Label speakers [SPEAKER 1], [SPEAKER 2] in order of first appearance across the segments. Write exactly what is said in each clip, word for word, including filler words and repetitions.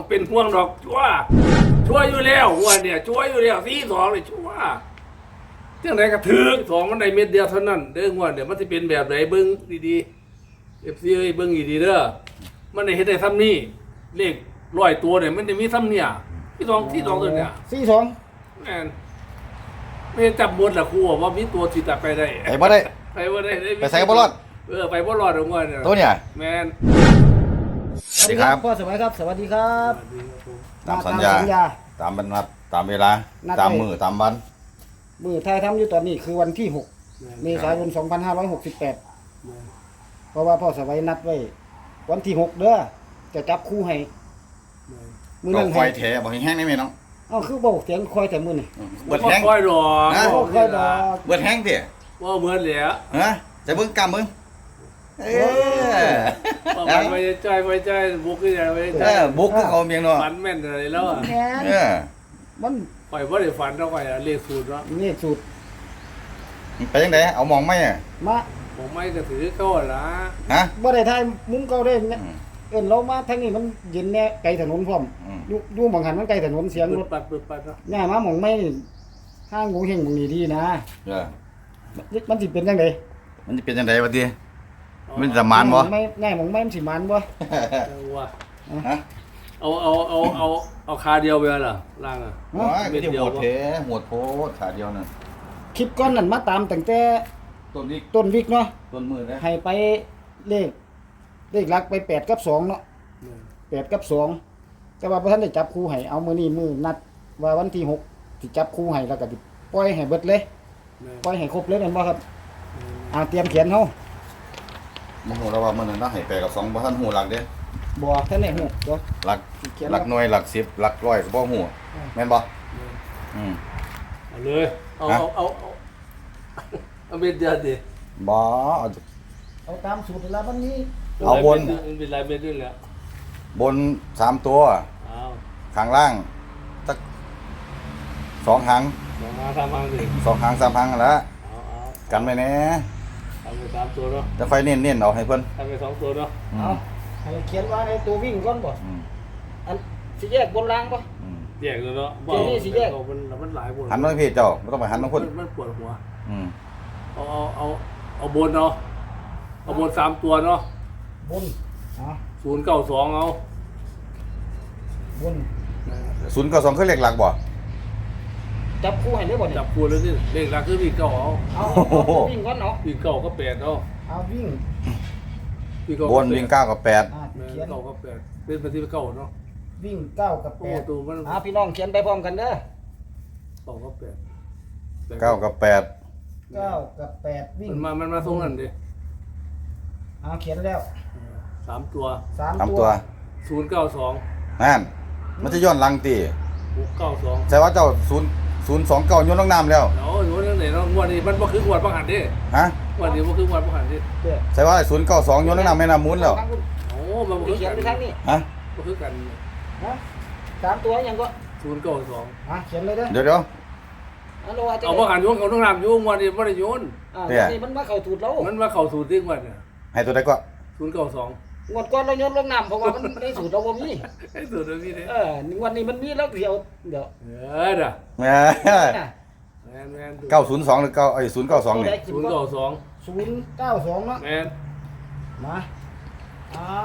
[SPEAKER 1] เป็นห่วงดอกชัวชัวอยู่แล้วหัวเนี่ยชัวอยู่แล้วสี่สองเลยชัวเรื่องไหนก็ถือสองมันได้เม็ดเดียวเท่านั้นเด้อหัวเนี่ยมันจะเป็นแบบไหนเบิ้งดีๆเอฟซีเอ้ยเบิ้งดีๆเด้อมันได้เห็นได้ซ้ำนี่เลขร้อยตัวเนี่ยมันจะมีซ้ำเนี่ยที่สองที่สองตัวเนี่ย
[SPEAKER 2] สี่สอง
[SPEAKER 1] แม่นไม่จับบนละครูว่ามีตัวที่จะไปได้
[SPEAKER 3] ไปบ่ได้
[SPEAKER 1] ไปบ่ได้
[SPEAKER 3] ไปใส่ก็บ่รอด
[SPEAKER 1] เออไปบ่รอดหัวเนี่ย
[SPEAKER 3] ตัวเนี่ย
[SPEAKER 1] แม่น
[SPEAKER 3] สวัสดีครับ
[SPEAKER 2] พ่อสวัสดีครับ สวัสดีครับ
[SPEAKER 3] ตามสัญญา
[SPEAKER 2] ตามสัญญา
[SPEAKER 3] ตามบรรทัดตามเวลา
[SPEAKER 2] นัด
[SPEAKER 3] ตาม
[SPEAKER 2] ไว้
[SPEAKER 3] มือตามวัน
[SPEAKER 2] มือไทยทำอยู่ตอนนี้คือวันที่หกเมษายนสองพันห้าร้อยหกสิบแปดเพราะว่าพ่อสวัยนัดไว้วันที่หกเด้อจะจับคู่ให้มือ
[SPEAKER 3] ก็
[SPEAKER 2] นั่น
[SPEAKER 3] คอ
[SPEAKER 2] ให้
[SPEAKER 3] ยแถบอกแห้งๆได้ไหมน้อง
[SPEAKER 2] เอ้าคือบอกเสียงคอยแต่มือนี่
[SPEAKER 3] เบิดแห้ง
[SPEAKER 1] ค่อยดอก
[SPEAKER 3] นะ
[SPEAKER 2] บ่ค่อยดอก
[SPEAKER 3] เบิดแห้งเถี่ย
[SPEAKER 1] ว่าเหมือนแหละ
[SPEAKER 3] ฮะจะเบิ่งกำมึงเออ
[SPEAKER 1] ว่ามันไปใจไปใจบุกขึ้นใจไปใจ
[SPEAKER 3] เออบุกคือเขาเมียงเนาะ
[SPEAKER 1] ฝันแม่นอะไรแล้วอ่ะ
[SPEAKER 2] แม่น
[SPEAKER 3] เออ
[SPEAKER 2] มัน
[SPEAKER 1] ปล่อยว่าได้ฝันเท่าไหร่เลขสูตรเนาะ
[SPEAKER 2] นี่สูตร
[SPEAKER 3] ไปยังไงเอามองไหมอ่ะ
[SPEAKER 2] มา
[SPEAKER 1] ผมไม่ก็ถือเข้าละ
[SPEAKER 3] ฮะ
[SPEAKER 2] บ่ได้ทายมุ้งเก่าได้เนี่ย
[SPEAKER 3] อืม
[SPEAKER 2] เอิ้นเรามาทางนี้มันเย็นแน่ไกลถนนพร้อม
[SPEAKER 3] อืม
[SPEAKER 2] อยู่อยู่หม่องหันมันไกลถนนเสียง
[SPEAKER 1] เปิ
[SPEAKER 2] ร
[SPEAKER 1] ด
[SPEAKER 2] ถ
[SPEAKER 1] ปัดเปิดปัดเนาะ
[SPEAKER 2] ย่ามาหม่องไม่ห้างหมูเฮงหม่องนี้ดีนะ
[SPEAKER 3] เออ
[SPEAKER 2] มันสิเป็นจังได๋
[SPEAKER 3] มันจะเป็นยังไงวะทีมันจะมานบ่
[SPEAKER 2] ไม่แน่หม่องไม่มันสิมันบ่
[SPEAKER 1] ว่า
[SPEAKER 3] ฮะ
[SPEAKER 1] เอาเอาเอาเอาเอาคาเดียวไปเหรอล่างอ่ะ
[SPEAKER 3] ว้ายก็จะโหดเทโหดโพดขาเดียวน่ะ
[SPEAKER 2] คลิปก่อนนั้นมาตามตั้งแต่
[SPEAKER 3] ต้นนี้
[SPEAKER 2] ต้นวิกเนาะ
[SPEAKER 3] ต้นมือนะ
[SPEAKER 2] ให้ไปเลขเลขหลักไปแปดกับสองเนาะแปดกับสองแต่ว่าพระท่านได้จับคู่ให้เอามือนี้มือนัดว่าวันที่หกสิจับคู่ให้แล้วก็สิปล่อยให้เบิดเลยปล่อยให้ครบเลยนั่นบ่ครับอ่าเตรียมเขียนเฮา
[SPEAKER 3] โมโหเราว่ามันน่ะให้แปลกับสองบ่ทันหูหลักเด้
[SPEAKER 2] บ่ท่านได้ฮู้เดี๋ยว
[SPEAKER 3] หลัก
[SPEAKER 2] สิเขียน
[SPEAKER 3] หลักหน่วยหลักสิบหลักร้อยก็บ่หูแม่นบ่อืม
[SPEAKER 1] เอาเลยเอาเอาเอาเอาเอาเป็นเดียวดิ
[SPEAKER 3] บ่เอา
[SPEAKER 2] เอาตามสูตรเวลาวันนี้
[SPEAKER 3] เอาบน
[SPEAKER 1] มันเป็นลายเม็ดด้วยแหละ
[SPEAKER 3] บนสามตัว
[SPEAKER 1] เอา
[SPEAKER 3] ข้างล่างสักสองหาง
[SPEAKER 1] สองมาสามพันสิ
[SPEAKER 3] สองหางสามหางนั่นละ
[SPEAKER 1] เอาเอา
[SPEAKER 3] กันไว้แหน่
[SPEAKER 1] ทำไปสามตัวเนาะ
[SPEAKER 3] จะค่อยเน้นๆเอาให้เพิ่น
[SPEAKER 1] ทำไปสองตัวเนาะ
[SPEAKER 3] อื
[SPEAKER 2] เอา
[SPEAKER 3] ม
[SPEAKER 2] ให้เขียนว่าในตัววิ่งก่อนบ่
[SPEAKER 3] อืม
[SPEAKER 2] อันสิแยกบนล่างบ่
[SPEAKER 3] อืม
[SPEAKER 1] แยกเลยเนาะ
[SPEAKER 2] เดี๋ยวนี้สิแยก
[SPEAKER 1] มันมันหลายบน
[SPEAKER 3] หันมาทางพี่เจ้าบ่ต้องไปหันทางคน
[SPEAKER 1] มันปวดหัว
[SPEAKER 3] อืม
[SPEAKER 1] เอาเอาเอาเอาบนเนาะเอาบนสามตัวเนาะ
[SPEAKER 2] บนเอา
[SPEAKER 1] ศูนย์เก้าสองเอา
[SPEAKER 2] บน
[SPEAKER 3] ศูนย์กับสองคือเลขหลักบ่
[SPEAKER 2] จับคู่ให้ได้บ่เนี่ย
[SPEAKER 1] จับคูเลยนี่เลขหลักคือวิ่งเก้าเอา
[SPEAKER 2] เอาเอาตัววิ่งก่อนเนาะ
[SPEAKER 1] วิ่งเก้าก็แปดเอา
[SPEAKER 2] เอาวิ่ง
[SPEAKER 1] วิ่งเก้า
[SPEAKER 3] บนวิ่งเก้ากับแปด
[SPEAKER 2] อ่า
[SPEAKER 1] แม่น
[SPEAKER 2] เขียน
[SPEAKER 1] เก้าก็แปดเป็นปฏิบัติเก้าเนาะ
[SPEAKER 2] วิ่งเก้ากับแป
[SPEAKER 1] โอ้
[SPEAKER 2] ด
[SPEAKER 1] ตัวมัน
[SPEAKER 2] อ่าพี่น้องเขียนไปพร้อมกันเด้อ
[SPEAKER 1] เก้าก็แปด
[SPEAKER 3] เก้ากับแปด
[SPEAKER 2] เก้ากับแปดวิ่ง
[SPEAKER 1] มันมามันมาตรงนั้นดิ
[SPEAKER 2] เอาเขียนแล้ว
[SPEAKER 1] สามตัว
[SPEAKER 2] สาม
[SPEAKER 3] สาม
[SPEAKER 2] ตั
[SPEAKER 3] ตัว ว
[SPEAKER 1] ศูนย์เก้าสอง
[SPEAKER 3] นั่นมันจะย้อนหลังตี
[SPEAKER 1] หกเก้าสอง
[SPEAKER 3] ใช่ว่าเจ้าศูนย์ศูนย์สองเก้าโยนลงน้ำแล้ว
[SPEAKER 1] เดี๋ยวหนูเรื่องไหนเนาะงวดนี้มันบ่คืองวดบังหันดิ
[SPEAKER 3] ฮะ
[SPEAKER 1] งวดนี้บ่คืองวดบังหันดิ
[SPEAKER 2] เด้อ
[SPEAKER 3] ใช่ว่าศูนย์เก้าสองโยนลงน้ำแม่น้ำมูลแล้ว
[SPEAKER 1] โอ้มันบ่คือ
[SPEAKER 2] เขียน
[SPEAKER 1] กัน
[SPEAKER 2] ไปทางนี้
[SPEAKER 3] ฮะ
[SPEAKER 1] บ่คือกัน
[SPEAKER 2] ฮะสามตัวยังก็
[SPEAKER 1] ศูนย์เก้าสอง
[SPEAKER 2] อ่าเขียนเลยเด้อ
[SPEAKER 3] เดี๋ยวเดี๋ยว
[SPEAKER 2] อันโลอาจจะ
[SPEAKER 1] เอาบังหันโยนเขาต้องนำโยงงวดนี้บ่ได้โยน
[SPEAKER 2] อ่า
[SPEAKER 3] เนี่ย
[SPEAKER 2] วันนี้มันมาเข้าถูดแล้ว
[SPEAKER 1] มันมาเข้าสู่ที่งวดเนี่ย
[SPEAKER 3] ให้ตัวใดก็
[SPEAKER 1] ศูนย์เก้าสอง
[SPEAKER 2] งวดก่อนเราโยนลงน้ำเพราะว่ามันในสูตรเราบ่มี
[SPEAKER 1] ไอ้สูตรนี้เด้
[SPEAKER 2] เออวันนี้มันมีแล้วเดี๋ยวเดี๋ยว
[SPEAKER 1] เออเด้อ
[SPEAKER 3] แหม่
[SPEAKER 2] น่ะ
[SPEAKER 1] แม่นแม่น
[SPEAKER 3] เก้าศูนย์สองหรือเก้าไอ้ศูนย์เก้าสองนี่
[SPEAKER 1] ศูนย์เก้าสอง
[SPEAKER 2] ศูนย์เก้าสองเนาะ
[SPEAKER 1] แม่น
[SPEAKER 2] มาเอา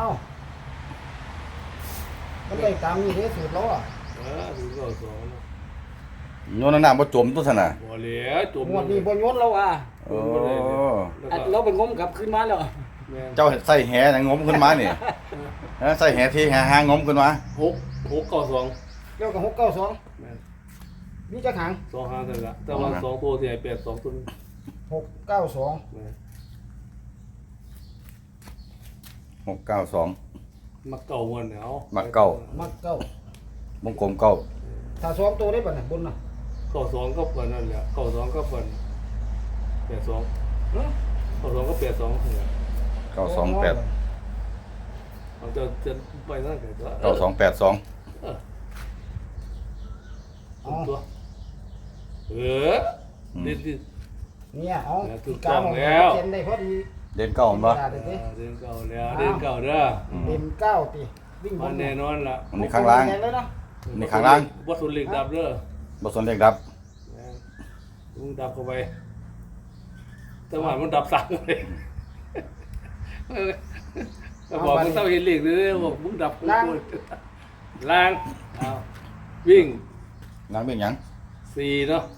[SPEAKER 2] มันได้ตามนี้เด้อสูตรเราอ่ะ
[SPEAKER 1] เออศูนย์เก้าสอง
[SPEAKER 3] โยนลงน้ำบ่จมตัวสนะ
[SPEAKER 1] บ่เหลือจม
[SPEAKER 2] งวดนี้บ่โยนเราอ่ะ
[SPEAKER 3] โอ้
[SPEAKER 2] อันเราไปงมกลับขึ้นมาแล้ว
[SPEAKER 1] แม่น
[SPEAKER 3] เจ้าใส่แหน่งมขึ้นมานี่ฮะใส่แหที่แหหางงมขึ้นมา
[SPEAKER 1] หกหกเก้าสอง
[SPEAKER 2] เกี่ยวกับหกเก้าสอง
[SPEAKER 1] แม่น
[SPEAKER 2] มีจักหาง
[SPEAKER 1] สองห้าเท่านั้นละแต่ว่าสองตัวที่ไอ้แปดสองตัวนี้
[SPEAKER 2] หกเก้าสอง
[SPEAKER 1] แม่น
[SPEAKER 3] หกเก้าสอง
[SPEAKER 1] มักเก่าวันเนี่ยเอา
[SPEAKER 3] มั
[SPEAKER 1] มั
[SPEAKER 3] กเก่า
[SPEAKER 2] มักเก้าว
[SPEAKER 3] งกลมเก้า
[SPEAKER 2] ถ้าสองตัวได้ป่ะน่ะบนน่ะ
[SPEAKER 1] เก่าสองก็เปิดนั่นแหละเก่าสองก็เปิดแปดสอง
[SPEAKER 2] เนาะ
[SPEAKER 1] เก่าสองก็แปดสองเนี่ย
[SPEAKER 3] เก้าสองแปด
[SPEAKER 1] เราจะจะไปนั่นกันตัว
[SPEAKER 3] เก้าสองแปดสอง
[SPEAKER 1] เออ
[SPEAKER 2] เอา
[SPEAKER 1] ตัวเออดิดิ
[SPEAKER 2] เนี่ยเอา
[SPEAKER 1] แล้วถูก
[SPEAKER 2] กา
[SPEAKER 1] ต้อง
[SPEAKER 2] มอง
[SPEAKER 1] แล้ว
[SPEAKER 2] เขียนได้พอดี
[SPEAKER 3] เด่นเก้าบ่
[SPEAKER 2] เด่น
[SPEAKER 1] เดินเก่าแล้วเดินเก่าเด้อ
[SPEAKER 2] เด่นเก้าติวิ่งบ
[SPEAKER 1] มัน นแน่นอนล่ะ
[SPEAKER 3] มันนี่ข้างล่าง
[SPEAKER 2] แดเลยเนาะ
[SPEAKER 3] นี่ข้างล่าง
[SPEAKER 1] บ่สุดเหล็กดับเด้อ
[SPEAKER 3] บ่สนเลขดับ
[SPEAKER 1] มึงดับเข้าไปแต่ว่ามันดับสั่งเลยก็บอกมึงต้องเห็นเหล็กเลยบอกมึงดับกูล้างเอาวิ่ง
[SPEAKER 3] นางเป็นหยัง
[SPEAKER 1] สี่เนาะ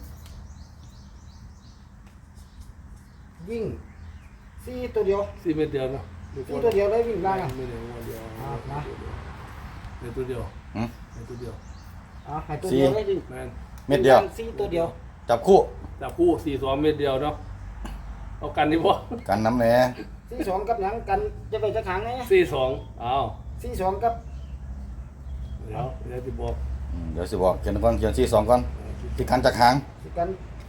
[SPEAKER 2] วิ่งสี่ตัวเดียว
[SPEAKER 1] สี่เมตรเดียวเนาะ
[SPEAKER 2] สี่ตัวเดียวเลยวิ่งล่างอ่ะ
[SPEAKER 1] ไม่เดียวเดียว
[SPEAKER 2] อ่ามา
[SPEAKER 1] เดียวตัวเดียว
[SPEAKER 3] หืม
[SPEAKER 1] เดียวตัวเดียว
[SPEAKER 2] อ่าให้ตัวเดียวเลยวิ่ง
[SPEAKER 1] แมน
[SPEAKER 3] เม็ดเดียว
[SPEAKER 2] สี่ตัวเดียว
[SPEAKER 3] จับคู่
[SPEAKER 1] จับคู่สี่สองเมตรเดียวเนาะเอากันนี่บ่
[SPEAKER 3] กันน้ำแหน่
[SPEAKER 2] สี่สองกับหยังกันจะไปจะขังไง
[SPEAKER 1] สี่สองเอา
[SPEAKER 2] สี่สองกับ
[SPEAKER 1] เดี๋ยวเดี๋ยวจะบอก
[SPEAKER 3] อืมเดี๋ยวสิบอกเขียนก่อนเขียนสี่สองก่อนที่กันจากหาง
[SPEAKER 2] สิกัน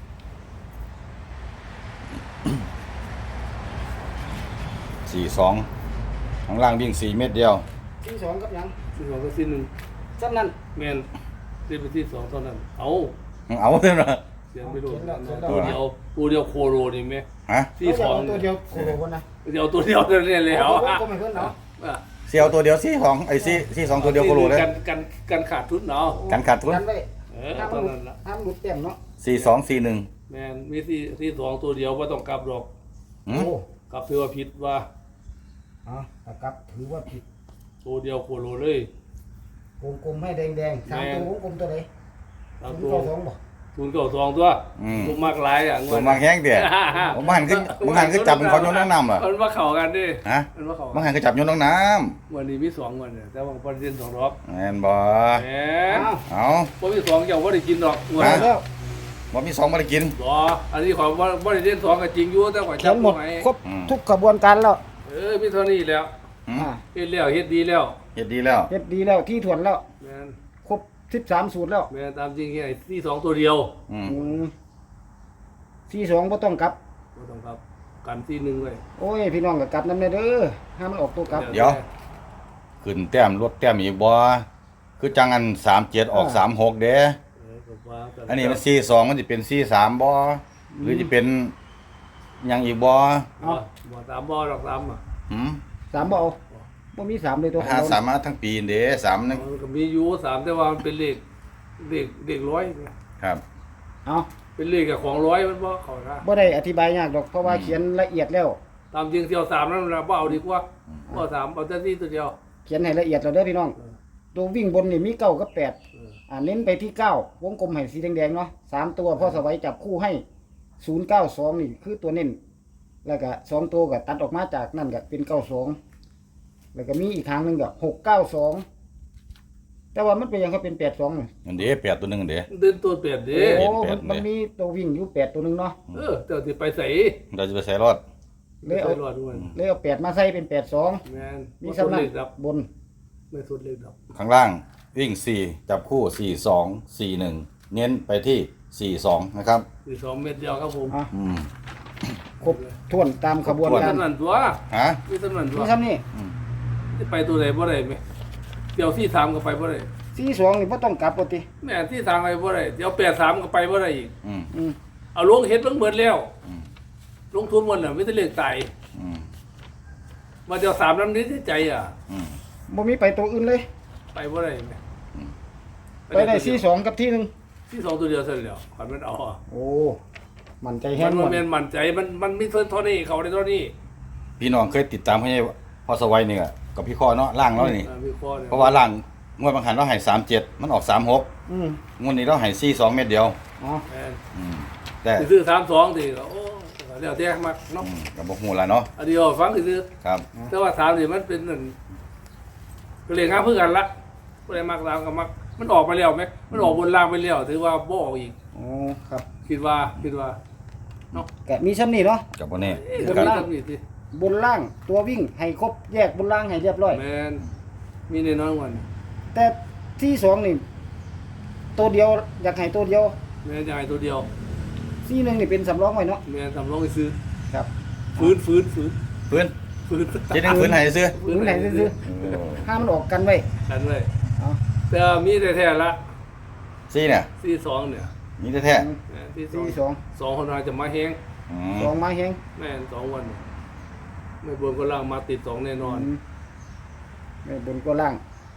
[SPEAKER 3] สี่สองข้างล่างวิ่งสี่เม็ดเดียว
[SPEAKER 2] สี่สองกับหยัง
[SPEAKER 1] สี่สองก็สี่หนึ่ง
[SPEAKER 2] สั้นนั้น
[SPEAKER 1] แมนสี่เป็นที่สองเท่านั้นเอา
[SPEAKER 3] เอาเท่านั้น
[SPEAKER 1] เสียงไม่โดน
[SPEAKER 2] เขียนแล้วเขียนแล้ว
[SPEAKER 1] ตัวเดียวตัวเดียวโคโรนี่ไหม
[SPEAKER 3] ฮะ
[SPEAKER 1] สี่สอง
[SPEAKER 2] เาตัวเดียวโอ้โหคนนะ
[SPEAKER 1] เดียวตัวเดียวเนี่ยเลยเหรอ
[SPEAKER 2] ก็ไม่เพิ่นเนาะ
[SPEAKER 3] เสียวตัวเดียวสี่สองไอ้สี่สี่สองตัวเดียวก็รู้เลย
[SPEAKER 1] กันกันกันขาดทุนเนาะ
[SPEAKER 3] กันขาดทุน
[SPEAKER 2] กันไว้
[SPEAKER 1] เออ
[SPEAKER 2] ห้าม
[SPEAKER 1] ตอน
[SPEAKER 2] หลุด
[SPEAKER 1] นั้นละ
[SPEAKER 2] ห้ามหลุดเต็มเนาะ
[SPEAKER 3] สี่สองสี่หนึ่ง
[SPEAKER 1] แมนมีสี่สี่สองตัวเดียวว่าต้องกลับหรอก
[SPEAKER 3] หืม
[SPEAKER 2] โอ้
[SPEAKER 1] กลับถือว่าผิดว่า
[SPEAKER 2] อ่าตะกับถือว่าผิด
[SPEAKER 1] ตัวเดียวโคโรเลย
[SPEAKER 2] วงกลมให้แดงๆสามตัววงกลมตัวไหน
[SPEAKER 1] ตาม
[SPEAKER 2] ศูน
[SPEAKER 1] ตั
[SPEAKER 2] ย์
[SPEAKER 1] ว
[SPEAKER 2] เก้าสองบ่
[SPEAKER 1] ศูนย์เก้าสองตัวตัวมากหลายอ่ะ
[SPEAKER 3] ตัวมากแห้งเดียวผมหันขึ้นผมหันขึ้นจับเป็นคนโยนน้ำน้ำเหรอ
[SPEAKER 1] มันว่าเข่ากันดิ
[SPEAKER 3] ฮะ
[SPEAKER 1] มันว่าเข่า
[SPEAKER 3] ผมหันขึ้นจับโยนน้ำน้
[SPEAKER 1] วันนี้มีสองวันเนี่ยแต่ว่าประเด็นสองรอบ
[SPEAKER 3] ำแม่นบ่
[SPEAKER 1] แหม
[SPEAKER 2] อ้าว
[SPEAKER 3] เอา
[SPEAKER 1] พอมีสองเจ้าว่าได้กินดอกวั
[SPEAKER 2] เอาแล้ว
[SPEAKER 3] บ่มีสองบ่ได้กิน
[SPEAKER 1] บออันนี้ของว่าว่าได้เล่นสองก็จริงอยู่แต่ข่อย
[SPEAKER 2] เขีย
[SPEAKER 1] จั
[SPEAKER 2] น
[SPEAKER 1] บ
[SPEAKER 2] หมด
[SPEAKER 1] ไหม
[SPEAKER 2] ครบ
[SPEAKER 3] อืม
[SPEAKER 2] ทุกกระบวนการแล้ว
[SPEAKER 1] เออมีเท่านี้แล้ว
[SPEAKER 3] หืม
[SPEAKER 2] อ่า
[SPEAKER 1] เฮ็ดแล้วเฮ็ดดีแล้ว
[SPEAKER 3] เฮ็ดดีแล้ว
[SPEAKER 2] เฮ็ดดีแล้วที่ถ่วนแล้ว
[SPEAKER 1] แมน
[SPEAKER 2] ครบสิบสามสูตรแล้ว
[SPEAKER 1] แมนตามจริงไอ้ที่สองตัวเดียว
[SPEAKER 3] อืม
[SPEAKER 2] อืมสี่สองบ่ต้องกลับ
[SPEAKER 1] บ่ต้องครับกันที่หนึ่งเลย
[SPEAKER 2] โอ้ยพี่น้องก็กลับนำเด้อห้ามมันออกตัวกลับ
[SPEAKER 3] เดี๋ยว ขึ้นแต้มลดแต้มอีกบ่คือจังอันสามเจ็ดออกสามหกเด้
[SPEAKER 1] เออก็ว่ากั
[SPEAKER 3] อันนี้มันสี่สองมันจะเป็นสี่สามบ่หรือจะเป็นหยังอีกบ่
[SPEAKER 1] บ่บ่ตามบ่ดอกตามอ่ะ
[SPEAKER 3] หืม
[SPEAKER 2] สามบ่เอาบ่มีสามเลยตัวของ
[SPEAKER 3] หา
[SPEAKER 2] เรา
[SPEAKER 3] สามมาทั้งปีเด้สามนึง
[SPEAKER 1] มันก็มีอยู่สามแต่ว่ามันเป็นเลขเลขเลขร้อยเนี่ย
[SPEAKER 3] ครับ
[SPEAKER 2] เอา
[SPEAKER 1] เป็นเลขกับของร้อยมันบ่เข้านะ
[SPEAKER 2] บ่ได้อธิบายยากดอกเพราะว่าเขียนละเอียดแล้ว
[SPEAKER 1] ตามจริงเที่ยวสามนั่นเราบ่เอาดีกว่าบ่เอาสามเอาแต่ที่ตัวเดียว
[SPEAKER 2] เขียนให้ละเอียดแล้วเด้อพี่น้อง
[SPEAKER 1] เออ
[SPEAKER 2] ตัววิ่งบนนี่มีเก้ากับแปด
[SPEAKER 1] เออ
[SPEAKER 2] อ่าเน้นไปที่เก้าวงกลมให้สีแดงๆเนาะสามตัวพ่อสวัยจับคู่ให้ศูนย์เก้าสองนี่คือตัวเน้นแล้วก็สองตัวก็ตัดออกมาจากนั่นก็เป็นเก้าสองแล้วก็มีอีกทางหนึ่งก็หกเก้าสองแต่ว่ามันเป็นยังเขาเป็นแปดสองนี่
[SPEAKER 3] อันเด้แปดตัวหนึงอันเด้
[SPEAKER 1] เดินตัวเปลี่ยนดิ
[SPEAKER 2] โอ้
[SPEAKER 3] แป
[SPEAKER 2] มั
[SPEAKER 3] ด
[SPEAKER 2] น
[SPEAKER 3] แปด
[SPEAKER 2] มันมีตัววิ่งอยู่แปดตัวหนึงเนาะ
[SPEAKER 1] เออเจ้าสิไปใส่
[SPEAKER 3] เราจะไปใส่รอด
[SPEAKER 2] เลยเอา
[SPEAKER 1] ไปรอดด้วย
[SPEAKER 2] เลยเอาแปดมาใส่เป็นแปดสอง
[SPEAKER 1] แม่น
[SPEAKER 2] มี
[SPEAKER 1] มี
[SPEAKER 2] สำนั
[SPEAKER 1] เล
[SPEAKER 2] ก
[SPEAKER 1] ขดับบ
[SPEAKER 2] น
[SPEAKER 1] ไม่สุดเลขดับ
[SPEAKER 3] ข้างล่างวิ่งสี่จับคู่สี่สองสี่หนึ่งเน้นไปที่สี่สองนะครับ
[SPEAKER 1] สี่สองเม็ดเดียวครับผม
[SPEAKER 2] อ่ะ
[SPEAKER 3] อืม
[SPEAKER 2] ครบถ้วนตามขบวน
[SPEAKER 1] มี
[SPEAKER 2] การ
[SPEAKER 1] สำนันตัว
[SPEAKER 3] ฮะ
[SPEAKER 1] มีสำนันตัว
[SPEAKER 2] นี่ครับนี่
[SPEAKER 1] ที่ไปตัวไหนบ่ได้ไหมเดี๋ยวที่สามก็ไปบ่ได้
[SPEAKER 2] สี่สองนี่บ่ต้องกลับปกติ
[SPEAKER 1] แม่นที่สามไปบ่ได้เดี๋ยวแปดสามก็ไปบ่ได้อีก
[SPEAKER 3] อืม
[SPEAKER 2] อืม
[SPEAKER 1] เอาลงเฮ็ดเบิ่งเบิดแล้ว
[SPEAKER 3] อืม
[SPEAKER 1] ลงทุนหมดน่ะไม่ได้เลขตาย
[SPEAKER 3] อืม
[SPEAKER 1] มาเดี๋ยวสามน้ำนี้ที่ใจอ่ะ
[SPEAKER 3] อืม
[SPEAKER 2] บ่มีไปตัวอื่นเลย
[SPEAKER 1] ไปบ่ได้ไหม
[SPEAKER 2] ไปได้สี่สองกับที่หนึ่ง
[SPEAKER 1] ที่สองตัวเดียวเสร็จแล้วขันมันเอาอ่ะ
[SPEAKER 2] โอ้ มันใจแห้
[SPEAKER 1] มั
[SPEAKER 2] ง
[SPEAKER 1] น
[SPEAKER 2] หม
[SPEAKER 1] มัน
[SPEAKER 2] ด
[SPEAKER 1] แม่นมั่นใจมันมันมีเท่าเท่านี้เขาได้เท่านี้
[SPEAKER 3] พี่น้องเคยติดตามให้พอสวัยนี่ก็กับพี่ข้อเนาะล่างเรานี่
[SPEAKER 1] อ่ามีข้อนี่ย
[SPEAKER 3] เพราะว่าล่างงวดบางหันเราให้สามเจ็ดมันออกสามหก
[SPEAKER 2] อืม
[SPEAKER 3] งวดนี้เราให้สี่สองเม็ดเดียว
[SPEAKER 2] อ๋อ
[SPEAKER 1] แม่น
[SPEAKER 3] อืมแต่
[SPEAKER 1] สิซื้อสามสองทีก็โอ้เดี๋ยวแท้มากเนาะ
[SPEAKER 3] อืมกับบ่ฮู้ละเนาะ
[SPEAKER 1] อันเดียวฟังซื้อ
[SPEAKER 3] ครับ
[SPEAKER 1] แต่ว่าสามนี่มันเป็นนั่นก็เลยงามเพื่อกันละก็เลยมักตามกับมักมันออกไปแล้วไหมมันออกบนล่างไปแล้วถือว่าบ่ออกอีก
[SPEAKER 2] โอ้ครับ
[SPEAKER 1] คิดว่าคิดว่า
[SPEAKER 2] กะมีชั้นนี่เนาะ
[SPEAKER 3] กับบ่แน่
[SPEAKER 1] เอ๊ะ
[SPEAKER 3] คือ
[SPEAKER 1] ก็
[SPEAKER 3] กัน
[SPEAKER 1] มีตำหนิสิ
[SPEAKER 2] บนล่างตัววิ่งให้ครบแยกบนล่างให้เรียบร้อย
[SPEAKER 1] แมนมีแน่นอนวัน
[SPEAKER 2] แต่ที่สองนี่ตัวเดียวอยากให้ตัวเดียว
[SPEAKER 1] แมนใหญ่ตัวเดียว
[SPEAKER 2] ที่หนึ่งนี่เป็นสำรองไว้เนาะ
[SPEAKER 1] แมนสำรองไปซื้อ
[SPEAKER 2] ครับ
[SPEAKER 1] ฟื้นฟื้นฟื้น
[SPEAKER 3] ฟื้น
[SPEAKER 1] ฟื้น
[SPEAKER 3] เจ็ดหนึงฟื้นให้ซื้อ
[SPEAKER 2] หรือไหนซื้อ
[SPEAKER 3] เออ
[SPEAKER 2] ๆห้ามมันออกกันไว้
[SPEAKER 1] กันเลย
[SPEAKER 2] เอา
[SPEAKER 1] แต่มีแต่แท้ๆละ
[SPEAKER 3] สี่เนี่ย
[SPEAKER 1] ที่สองเนี่ย
[SPEAKER 3] มีแต่แท้
[SPEAKER 1] แม่นที่สอง
[SPEAKER 2] ที่สอง
[SPEAKER 1] สองคนอาจจะมาแห้ง
[SPEAKER 3] อืม
[SPEAKER 2] สองไม้แห้ง
[SPEAKER 1] แม่นสองวันเนี่ยไม่บนก็ล่างมาติดสองแน่นอน
[SPEAKER 2] มไม่บนก็ล่าง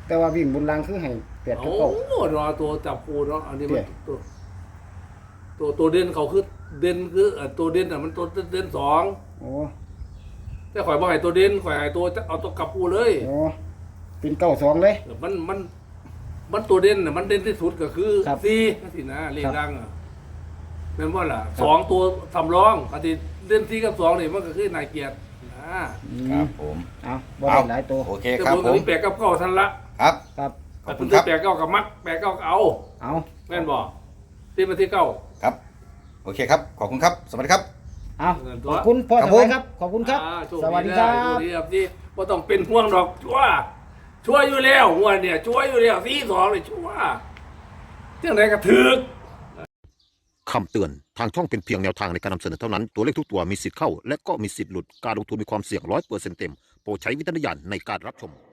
[SPEAKER 2] แต่ว่าวิ่งบนรางคือให้แปดกับ
[SPEAKER 1] โอ้
[SPEAKER 2] เก้าร
[SPEAKER 1] อตัวจับคู่เนาะอันนี้มัน
[SPEAKER 2] เดี๋ยว
[SPEAKER 1] ตัวตัวตัวเด่นเขาคือเด่นคือเอ่อตัวเด่นอ่ะมันตัวเด่นสอง
[SPEAKER 2] โอ้
[SPEAKER 1] แต่ข่อยบ่ให้ตัวเด่นข่อยให้ตัวเอาตัวกลับคู่เลย
[SPEAKER 2] โอ้เป็นเก้าสองเลย
[SPEAKER 1] มันมันมันตัวเด่นน่ะมันเด่นที่สุดก็คือ
[SPEAKER 2] ครับ
[SPEAKER 1] สี่สินะเลข
[SPEAKER 2] ครับ
[SPEAKER 1] ดังอ่ะเป็นว่าล่ะสองตัวสำรองอันที่เด่นสี่กับสองนี่มันก็คือนายเกียรตินะ
[SPEAKER 2] อื
[SPEAKER 3] ครั
[SPEAKER 2] ม
[SPEAKER 3] บผม
[SPEAKER 2] เอาบ่ได้หลายตัว
[SPEAKER 3] โอเค
[SPEAKER 1] แต่
[SPEAKER 3] ครับ
[SPEAKER 1] ผม
[SPEAKER 3] ผ
[SPEAKER 1] ก็
[SPEAKER 3] ม
[SPEAKER 1] มีแปดกับเก้าทันละ
[SPEAKER 3] ครับ
[SPEAKER 2] ครับ
[SPEAKER 3] ขอบ
[SPEAKER 1] แต่
[SPEAKER 3] คุณ
[SPEAKER 1] ณ
[SPEAKER 3] ครับ
[SPEAKER 1] แปดเก้ากับมัดแปดเก้าก็เอา
[SPEAKER 2] เอา
[SPEAKER 1] แม่นบอกที่มาที่เก้า
[SPEAKER 3] ครับ โอเคครับ ขอบคุณครับ สวัสดีครับ
[SPEAKER 2] เอา
[SPEAKER 1] เงินตัว
[SPEAKER 2] ขอบคุณพ่อ
[SPEAKER 3] ครับ
[SPEAKER 2] ส
[SPEAKER 3] ผม
[SPEAKER 2] บายครับ ขอบคุณครับ
[SPEAKER 1] อ่าโช
[SPEAKER 2] สวัสดีครั
[SPEAKER 1] โช
[SPEAKER 2] บ
[SPEAKER 1] ดีครับที่ว่าต้องเป็นห่วงดอกชัวร์ชัวร์อยู่แล้วหัวเนี่ยชัวร์อยู่แล้วสี่สองเลยชัวร์เรื่องไหนก็ถึก
[SPEAKER 4] คำเตือน ทางช่องเป็นเพียงแนวทางในการนำเสนอเท่านั้น ตัวเลขทุกตัวมีสิทธิ์เข้า และก็มีสิทธิ์หลุด การลงทุนมีความเสี่ยงร้อยเปอร์เซ็นต์เต็ม โปรดใช้วิจารณญาณในการรับชม